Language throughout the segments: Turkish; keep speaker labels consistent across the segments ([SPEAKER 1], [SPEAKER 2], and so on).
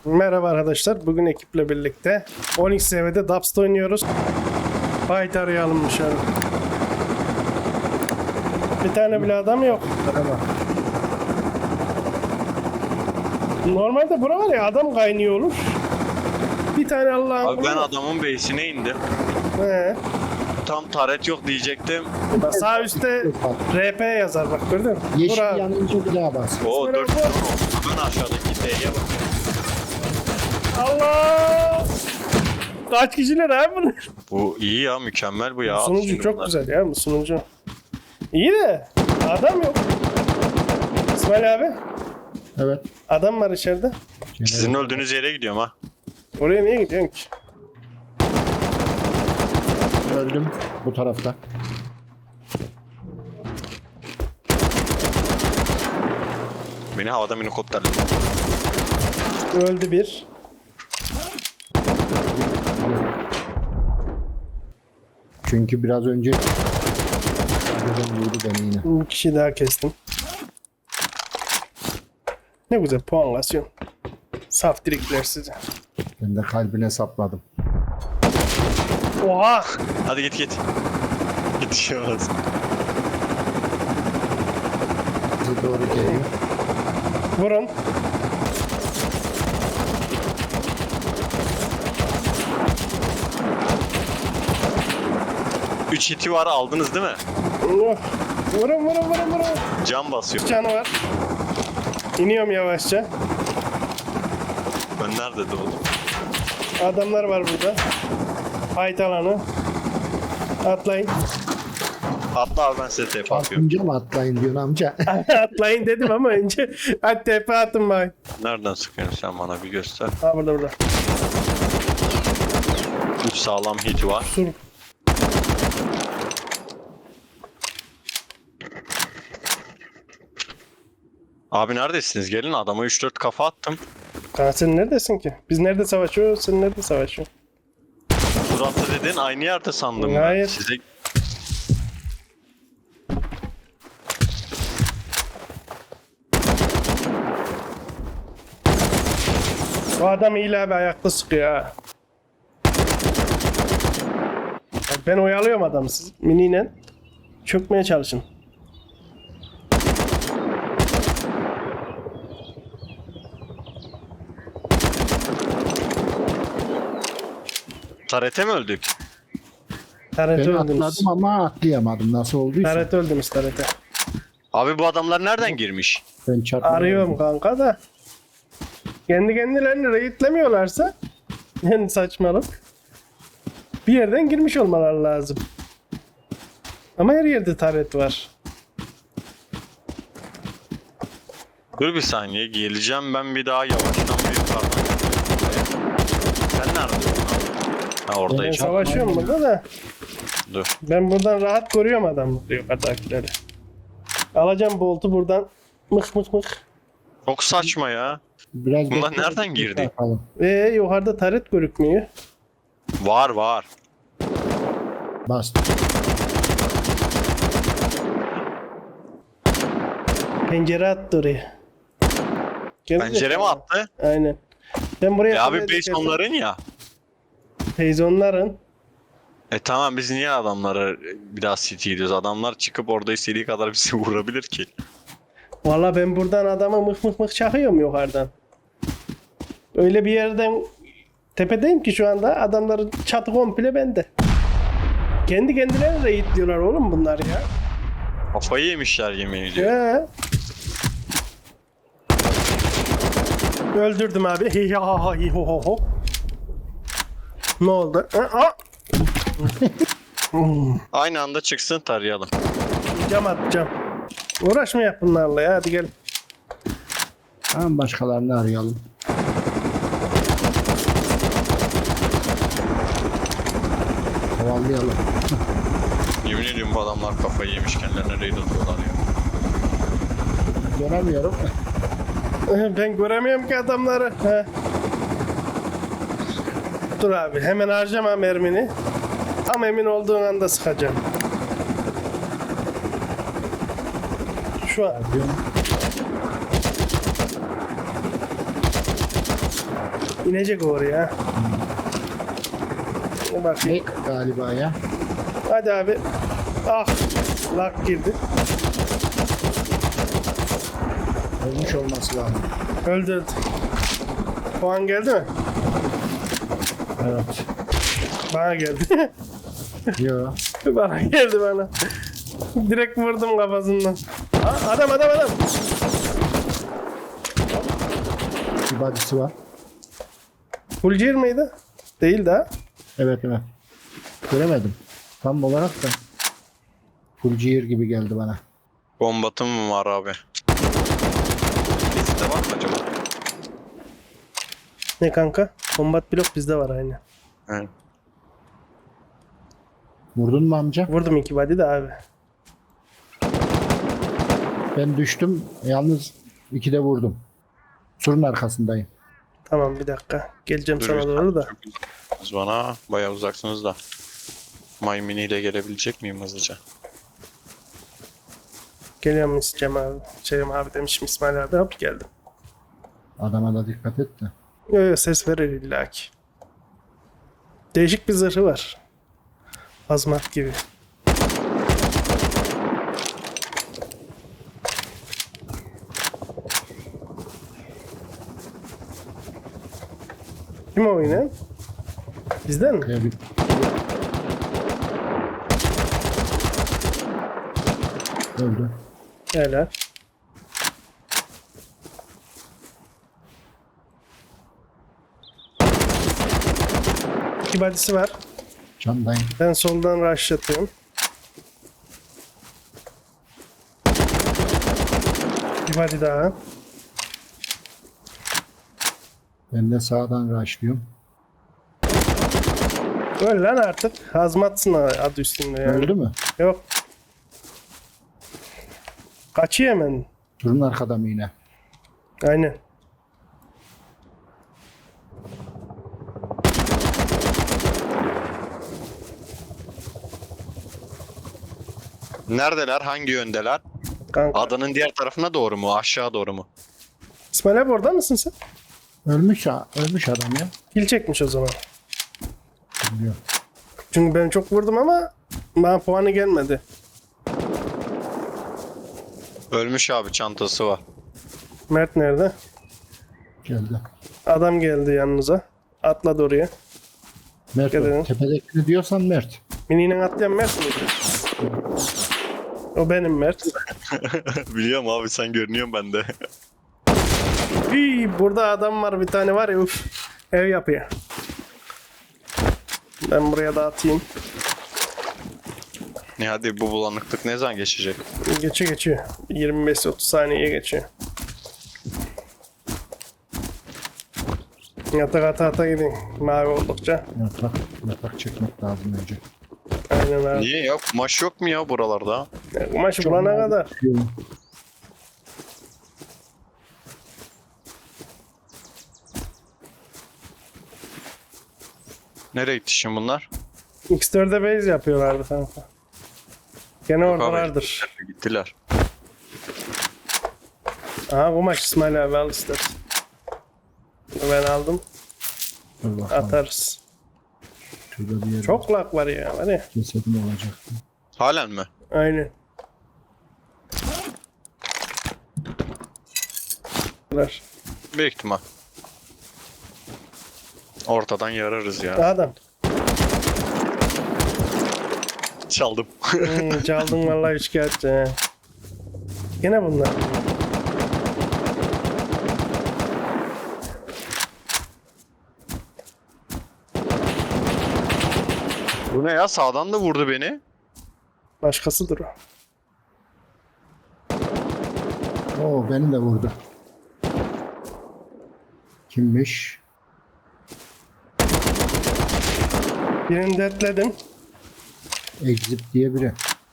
[SPEAKER 1] Merhaba arkadaşlar. Bugün ekiple birlikte Onyx TV'de Dubs'ta oynuyoruz. Fight arayalım dışarı. Bir tane bile adam yok.
[SPEAKER 2] Merhaba.
[SPEAKER 1] Normalde bura var ya adam kaynıyor olur. Bir tane Allah'ın
[SPEAKER 3] Abi ben
[SPEAKER 1] kulu.
[SPEAKER 3] adamın base'ine indim.
[SPEAKER 1] He.
[SPEAKER 3] Tam taret yok diyecektim.
[SPEAKER 1] Bak sağ üstte RP yazar bak gördün mü?
[SPEAKER 2] Yeşil
[SPEAKER 1] Bura.
[SPEAKER 2] yanınca bir daha bas.
[SPEAKER 3] O
[SPEAKER 1] Sonra
[SPEAKER 3] 4
[SPEAKER 1] bu-
[SPEAKER 3] Ben aşağıdaki D'ye bakıyorum.
[SPEAKER 1] Allah! Kaç kişiler abi bunlar?
[SPEAKER 3] Bu iyi ya, mükemmel bu ya. At
[SPEAKER 1] Sunucu
[SPEAKER 3] şimdi
[SPEAKER 1] çok
[SPEAKER 3] bunları.
[SPEAKER 1] güzel ya bu sunucu. İyi de adam yok. İsmail abi
[SPEAKER 2] Evet.
[SPEAKER 1] adam var içeride.
[SPEAKER 3] Sizin öldüğünüz yere gidiyorum ha.
[SPEAKER 1] Oraya niye gidiyorsun ki?
[SPEAKER 2] Öldüm bu tarafta.
[SPEAKER 3] Beni havada minikopterle.
[SPEAKER 1] Öldü bir.
[SPEAKER 2] Çünkü biraz önce arkadan vurdu beni yine.
[SPEAKER 1] Bir kişi daha kestim. Ne güzel puanlasyon. Saf dirikler size.
[SPEAKER 2] Ben de kalbine sapladım.
[SPEAKER 1] Oha!
[SPEAKER 3] Hadi git. Yetişemez.
[SPEAKER 2] Bize doğru geliyor.
[SPEAKER 1] Vurun.
[SPEAKER 3] Üç hiti var, aldınız değil mi?
[SPEAKER 1] Oh. Vurun.
[SPEAKER 3] Can basıyor.
[SPEAKER 1] Canı var. İniyorum yavaşça.
[SPEAKER 3] Ben nerede doğdum?
[SPEAKER 1] Adamlar var burada. Fight alanı. Atlayın.
[SPEAKER 3] Atla abi, ben size TP atıyorum.
[SPEAKER 2] Atınca mı atlayın diyorsun amca?
[SPEAKER 1] Atlayın dedim ama önce hadi tepe atın bak.
[SPEAKER 3] Nereden sıkıyorsun sen, bana bir göster.
[SPEAKER 1] Ha burada.
[SPEAKER 3] 3 sağlam hit var.
[SPEAKER 1] Sur.
[SPEAKER 3] Abi neredesiniz? Gelin, adama 3-4 kafa attım.
[SPEAKER 1] Kanka sen neredesin ki? Biz nerede savaşıyoruz? Sen nerede savaşıyorsun?
[SPEAKER 3] Suratlı dedin, aynı yerde sandım ben.
[SPEAKER 1] Hayır.
[SPEAKER 3] Size
[SPEAKER 1] O adam iyi abi ayakta sıkıyor ha. Bak ben oyalıyorum adamı, siz miniyle çökmeye çalışın.
[SPEAKER 3] tarete mi öldük?
[SPEAKER 1] Taret
[SPEAKER 2] Ben
[SPEAKER 1] öldünüz.
[SPEAKER 2] atladım ama atlayamadım. Nasıl olduysa.
[SPEAKER 1] Taret öldünüz tarete.
[SPEAKER 3] Abi bu adamlar nereden girmiş?
[SPEAKER 2] Ben çarpmadım.
[SPEAKER 1] Arıyorum kanka da. Kendi kendilerini raidlemiyorlarsa yani saçmalık. Bir yerden girmiş olmaları lazım. Ama her yerde taret var.
[SPEAKER 3] Dur bir saniye, geleceğim ben bir daha yavaştan bir yukarıdan. Sen neredesin? Ha,
[SPEAKER 1] Ben
[SPEAKER 3] oradayım.
[SPEAKER 1] savaşıyorum burada da.
[SPEAKER 3] Dur.
[SPEAKER 1] Ben buradan rahat koruyorum adamı diyor atakileri. Alacağım boltu buradan. Mık.
[SPEAKER 3] Çok saçma ya.
[SPEAKER 2] Biraz
[SPEAKER 3] Bunlar
[SPEAKER 2] bekleyelim,
[SPEAKER 3] nereden girdi?
[SPEAKER 2] bakalım.
[SPEAKER 1] Yukarıda taret görükmüyor.
[SPEAKER 3] Var.
[SPEAKER 2] Bastım.
[SPEAKER 1] Pencere attı oraya.
[SPEAKER 3] Pencere mi attı?
[SPEAKER 1] Aynen. Ben buraya...
[SPEAKER 3] Ya abi base onların ya.
[SPEAKER 1] Peyzonların.
[SPEAKER 3] Tamam, biz niye adamlara bir daha city ediyoruz? Adamlar çıkıp orada istediği kadar bizi vurabilir ki.
[SPEAKER 1] Valla ben buradan adama mık çakıyorum yukarıdan. Öyle bir yerden tepedeyim ki şu anda adamların çatı komple bende. Kendi kendilerine raid diyorlar oğlum bunlar ya.
[SPEAKER 3] Kafayı yemişler, yemin ediyorum.
[SPEAKER 1] He. Öldürdüm abi. Hi ha ha hi ho ho ho. Ne oldu?
[SPEAKER 3] Aynı anda çıksın, tarayalım.
[SPEAKER 1] Cam atacağım. Uğraşmayak bunlarla ya, hadi gel.
[SPEAKER 2] Tamam, başkalarını arayalım. Kovalayalım.
[SPEAKER 3] Yemin ediyorum bu adamlar kafayı yemiş, kendilerine raid atıyorlar ya.
[SPEAKER 2] Göremiyorum.
[SPEAKER 1] Ben göremiyorum ki adamları. He. Dur abi, hemen harcama mermini. Tam emin olduğun anda sıkacağım. Şu an.
[SPEAKER 2] Diyorum.
[SPEAKER 1] İnecek oraya. Bak.
[SPEAKER 2] Ne galiba ya.
[SPEAKER 1] Hadi abi. Ah. Lak girdi.
[SPEAKER 2] Ölmüş olması lazım.
[SPEAKER 1] Öldü. Puan geldi mi?
[SPEAKER 2] Evet.
[SPEAKER 1] Bana geldi.
[SPEAKER 2] Yo.
[SPEAKER 1] Bana geldi bana. Direkt vurdum kafasından. Ha, adam.
[SPEAKER 2] Bir badisi var.
[SPEAKER 1] Fulcir miydi? Değil daha.
[SPEAKER 2] Evet. Göremedim. Tam olarak da full ciğer gibi geldi bana.
[SPEAKER 3] Bombatım mı var abi? Bizde var mı acaba?
[SPEAKER 1] Ne kanka? Combat blok bizde var aynı.
[SPEAKER 3] Evet.
[SPEAKER 2] Vurdun mu amca?
[SPEAKER 1] Vurdum 2 body de abi.
[SPEAKER 2] Ben düştüm. Yalnız 2'de vurdum. Surun arkasındayım.
[SPEAKER 1] Tamam bir dakika. Geleceğim
[SPEAKER 3] Dur,
[SPEAKER 1] sana doğru da.
[SPEAKER 3] çok uzaksınız bana. Bayağı uzaksınız da. My Mini ile gelebilecek miyim hızlıca?
[SPEAKER 1] Geliyorum isteyeceğim abi. Şeyim abi demişim İsmail abi. Hop geldim.
[SPEAKER 2] Adama da dikkat et de.
[SPEAKER 1] Yo, ses verir illaki. Değişik bir zırhı var. Azmat gibi. Kim o yine? Bizden mi?
[SPEAKER 2] Ya bir... Öldü.
[SPEAKER 1] Helal. İki badisi var.
[SPEAKER 2] Candayım.
[SPEAKER 1] Ben soldan rushlatıyorum. Bir body daha.
[SPEAKER 2] Ben de sağdan rushlıyorum.
[SPEAKER 1] Öl lan artık. Hazmatsın adı üstünde yani.
[SPEAKER 2] Öldü mü?
[SPEAKER 1] Yok. Kaçıyor hemen.
[SPEAKER 2] Surun arkada mı yine?
[SPEAKER 1] Aynen.
[SPEAKER 3] Neredeler? Hangi yöndeler?
[SPEAKER 1] Kanka.
[SPEAKER 3] Adanın diğer tarafına doğru mu? Aşağı doğru mu?
[SPEAKER 1] İsmail abi orada mısın sen?
[SPEAKER 2] Ölmüş adam ya.
[SPEAKER 1] Kill çekmiş o zaman.
[SPEAKER 2] Bilmiyorum.
[SPEAKER 1] Çünkü ben çok vurdum ama bana puanı gelmedi.
[SPEAKER 3] Ölmüş abi, çantası var.
[SPEAKER 1] Mert nerede?
[SPEAKER 2] Geldi.
[SPEAKER 1] Adam geldi yanınıza. Atladı oraya.
[SPEAKER 2] Mert
[SPEAKER 1] Dikkat edin.
[SPEAKER 2] o. Tepedekini diyorsan Mert.
[SPEAKER 1] Mini'nin atlayan Mert miydi? O benim Mert.
[SPEAKER 3] Biliyorum abi, sen görünüyorsun bende.
[SPEAKER 1] Burada adam var bir tane var ya uf. Ev yapıyor. Ben buraya dağıtayım.
[SPEAKER 3] Ne hadi, bu bulanıklık ne zaman geçecek?
[SPEAKER 1] Geçiyor. 25-30 saniyeye geçiyor. Yatak ata gidin. Mavi oldukça.
[SPEAKER 2] Yatak çekmek lazım önce.
[SPEAKER 1] Aynen abi.
[SPEAKER 3] Niye ya? Kumaş yok mu ya buralarda?
[SPEAKER 1] Kumaşı bulana kadar.
[SPEAKER 3] Nereye gitti şimdi bunlar?
[SPEAKER 1] X4'e base yapıyorlardı kanka. Gene oradalardır.
[SPEAKER 3] Gittiler.
[SPEAKER 1] Aha kumaş İsmail abi al istersen. Ben aldım.
[SPEAKER 2] Dur bakalım.
[SPEAKER 1] Atarız.
[SPEAKER 2] Şurada bir yer
[SPEAKER 1] Çok lak var ya. Var ya.
[SPEAKER 2] cesedim olacaktı.
[SPEAKER 3] Halen mi?
[SPEAKER 1] Aynen. Var.
[SPEAKER 3] Büyük ihtimal. Ortadan yararız ya.
[SPEAKER 1] Adam.
[SPEAKER 3] Çaldım.
[SPEAKER 1] Çaldın vallahi şikayetçi. He. Gene bunlar.
[SPEAKER 3] Bu ne ya? Sağdan da vurdu beni.
[SPEAKER 1] Başkasıdır o.
[SPEAKER 2] Oo beni de vurdu. Kimmiş?
[SPEAKER 1] Birini detledim.
[SPEAKER 2] Exit diye biri.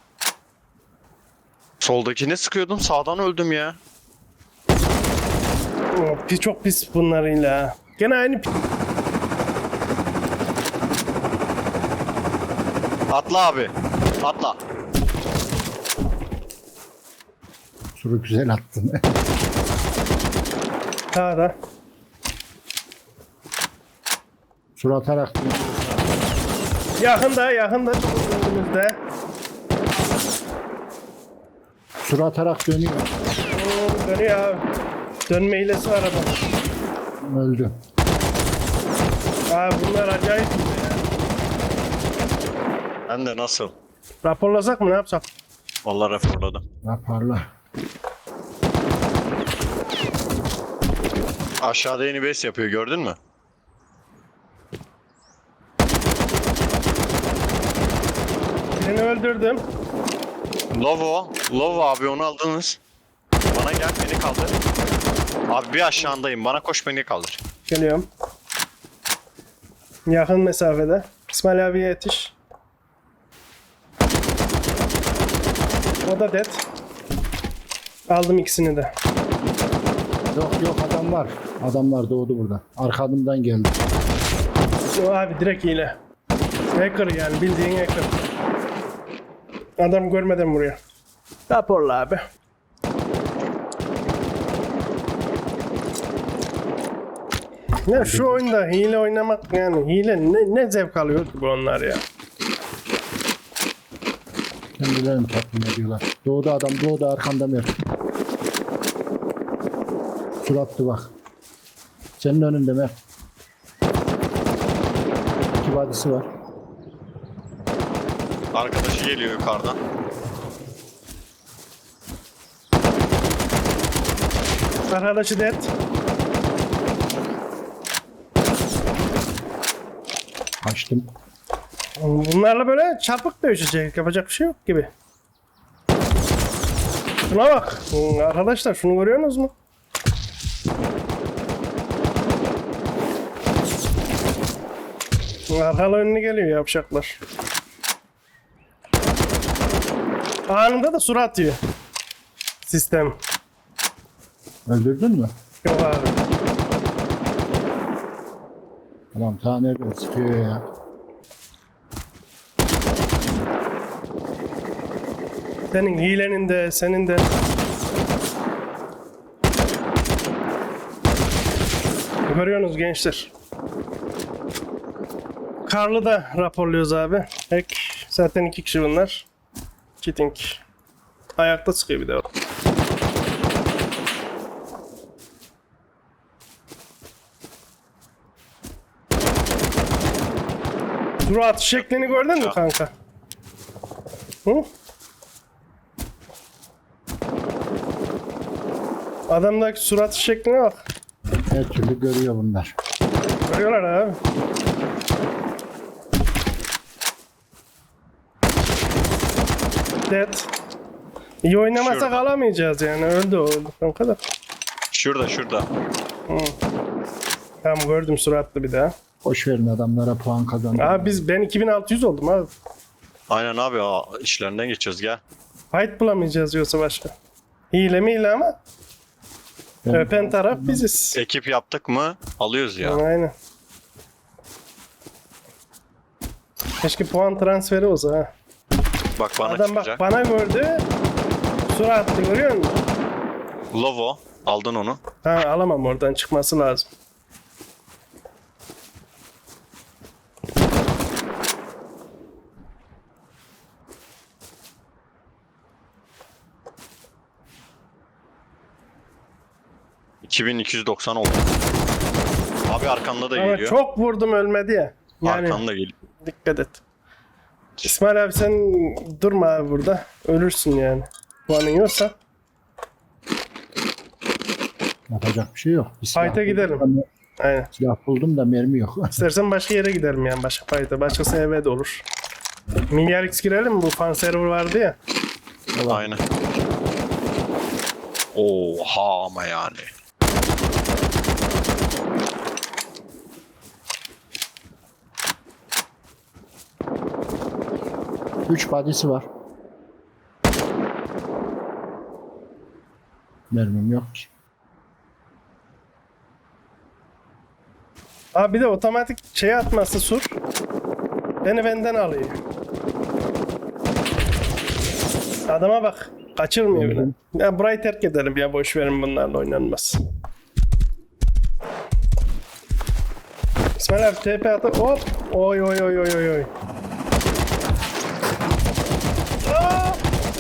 [SPEAKER 3] Soldakine sıkıyordum. Sağdan öldüm ya.
[SPEAKER 1] Çok pis bunlarıyla. Gene aynı
[SPEAKER 3] Atla abi. Atla.
[SPEAKER 2] Suru güzel attın.
[SPEAKER 1] Sağda.
[SPEAKER 2] Sur atarak dönüyor.
[SPEAKER 1] Yakında önümüzde.
[SPEAKER 2] Sur atarak dönüyor.
[SPEAKER 1] Dönüyor abi. Dönme hilesi var adam.
[SPEAKER 2] Öldü.
[SPEAKER 1] Abi bunlar acayip bir şey ya.
[SPEAKER 3] Ben de nasıl?
[SPEAKER 1] Raporlasak mı ne yapsak?
[SPEAKER 3] Vallahi raporladım.
[SPEAKER 2] Yaparlar.
[SPEAKER 3] Aşağıda yeni base yapıyor, gördün mü?
[SPEAKER 1] Birini öldürdüm.
[SPEAKER 3] Lovo abi, onu aldınız. Bana gel, beni kaldır. Abi bir aşağındayım, bana koş, beni kaldır.
[SPEAKER 1] Geliyorum. Yakın mesafede. İsmail abiye yetiş. O da dead. Aldım ikisini de.
[SPEAKER 2] Yok adam var. Adamlar doğdu burada. Arkamdan geldi.
[SPEAKER 1] O abi direkt hile. Hacker yani, bildiğin hacker. Adam görmeden vuruyor. Raporla abi. Ne şu oyunda hile oynamak, yani hile ne zevk alıyor ki bu onlar ya.
[SPEAKER 2] Kendilerini tatmin ediyorlar. Doğdu adam, doğdu arkamda Mert. Surattı bak. Senin önünde Mert. İki vadisi var.
[SPEAKER 3] Arkadaşı geliyor yukarıdan.
[SPEAKER 1] Arkadaşı dead.
[SPEAKER 2] Açtım.
[SPEAKER 1] Bunlarla böyle çarpık dövüşecek. Yapacak bir şey yok gibi. Şuna bak. Arkadaşlar şunu görüyorsunuz mu? Arkalı önüne geliyor yapacaklar. Anında da surat atıyor. Sistem.
[SPEAKER 2] Öldürdün mü?
[SPEAKER 1] Yok abi.
[SPEAKER 2] Tamam ta nereden sıkıyor ya.
[SPEAKER 1] Senin hilenin de senin de. Görüyorsunuz gençler. Karlı da raporluyoruz abi. Hack. Zaten 2 kişi bunlar. Cheating. Ayakta sıkıyor bir de o. Surat şeklini gördün mü kanka? Hı? Adamdaki surat şekline bak.
[SPEAKER 2] Her türlü görüyor bunlar.
[SPEAKER 1] Görüyorlar abi. Dead. İyi oynamasak
[SPEAKER 3] Şurada.
[SPEAKER 1] alamayacağız yani. Öldü o, öldü kanka da.
[SPEAKER 3] Şurada.
[SPEAKER 1] Tamam gördüm suratlı bir daha.
[SPEAKER 2] Boş verin adamlara puan kazandı.
[SPEAKER 1] Abi ben 2600 oldum abi.
[SPEAKER 3] Aynen abi, işlerinden geçiyoruz, gel.
[SPEAKER 1] Fight bulamayacağız yoksa başka. Hile mi hile ama öpen taraf biziz.
[SPEAKER 3] Ekip yaptık mı alıyoruz ya.
[SPEAKER 1] Aynen. Keşke puan transferi olsa ha.
[SPEAKER 3] Bak bana
[SPEAKER 1] Adam bak
[SPEAKER 3] çıkacak.
[SPEAKER 1] bana gördü. Suratlı görüyor musun?
[SPEAKER 3] Lovo, aldın onu.
[SPEAKER 1] Ha alamam, oradan çıkması lazım.
[SPEAKER 3] $2290 oldu. Abi arkanda da
[SPEAKER 1] Ama
[SPEAKER 3] geliyor.
[SPEAKER 1] çok vurdum ölmedi ya. Yani
[SPEAKER 3] Arkanda geliyor.
[SPEAKER 1] dikkat et. İsmail abi sen durma abi burada. Ölürsün yani. Puanın yoksa.
[SPEAKER 2] Yapacak bir şey yok. Bir silah
[SPEAKER 1] Fight'a gidelim.
[SPEAKER 2] buldum da-
[SPEAKER 1] Aynen.
[SPEAKER 2] Silah buldum da mermi yok.
[SPEAKER 1] İstersen başka yere gidelim yani, başka fight'a. Başkası eve de olur. Milyar X girelim mi? Bu fan server vardı ya.
[SPEAKER 3] Aynen. Oha ama yani.
[SPEAKER 2] Üç badisi var. Mermim yok ki.
[SPEAKER 1] Abi bir de otomatik şey atması sur. Beni benden alıyor. Adama bak. Kaçırmıyor bile. Ya burayı terk edelim ya, boş verin, bunlarla oynanmaz. İsmail abi TP atı hop. Oy oy oy oy oy oy. Aa!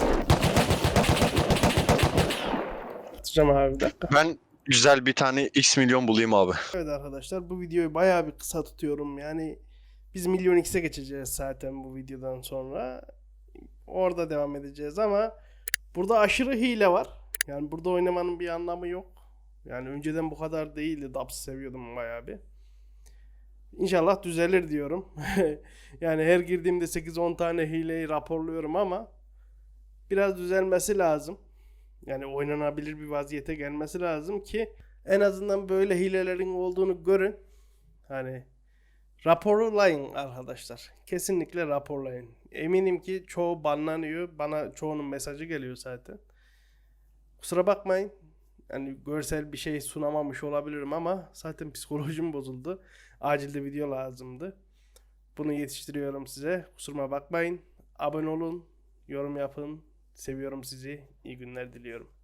[SPEAKER 1] Atacağım abi bir dakika.
[SPEAKER 3] Ben güzel bir tane X milyon bulayım abi.
[SPEAKER 1] Evet arkadaşlar bu videoyu bayağı bir kısa tutuyorum. Yani biz milyon x'e geçeceğiz zaten bu videodan sonra. Orada devam edeceğiz ama burada aşırı hile var. Yani burada oynamanın bir anlamı yok. Yani önceden bu kadar değildi. Dubs'ı seviyordum bayağı bir. İnşallah düzelir diyorum. Yani her girdiğimde 8-10 tane hileyi raporluyorum ama biraz düzelmesi lazım. Yani oynanabilir bir vaziyete gelmesi lazım ki en azından böyle hilelerin olduğunu görün. Hani raporlayın arkadaşlar. Kesinlikle raporlayın. Eminim ki çoğu banlanıyor. Bana çoğunun mesajı geliyor zaten. Kusura bakmayın. Yani görsel bir şey sunamamış olabilirim ama zaten psikolojim bozuldu. Acilde video lazımdı. Bunu yetiştiriyorum size. Kusuruma bakmayın. Abone olun, yorum yapın. Seviyorum sizi. İyi günler diliyorum.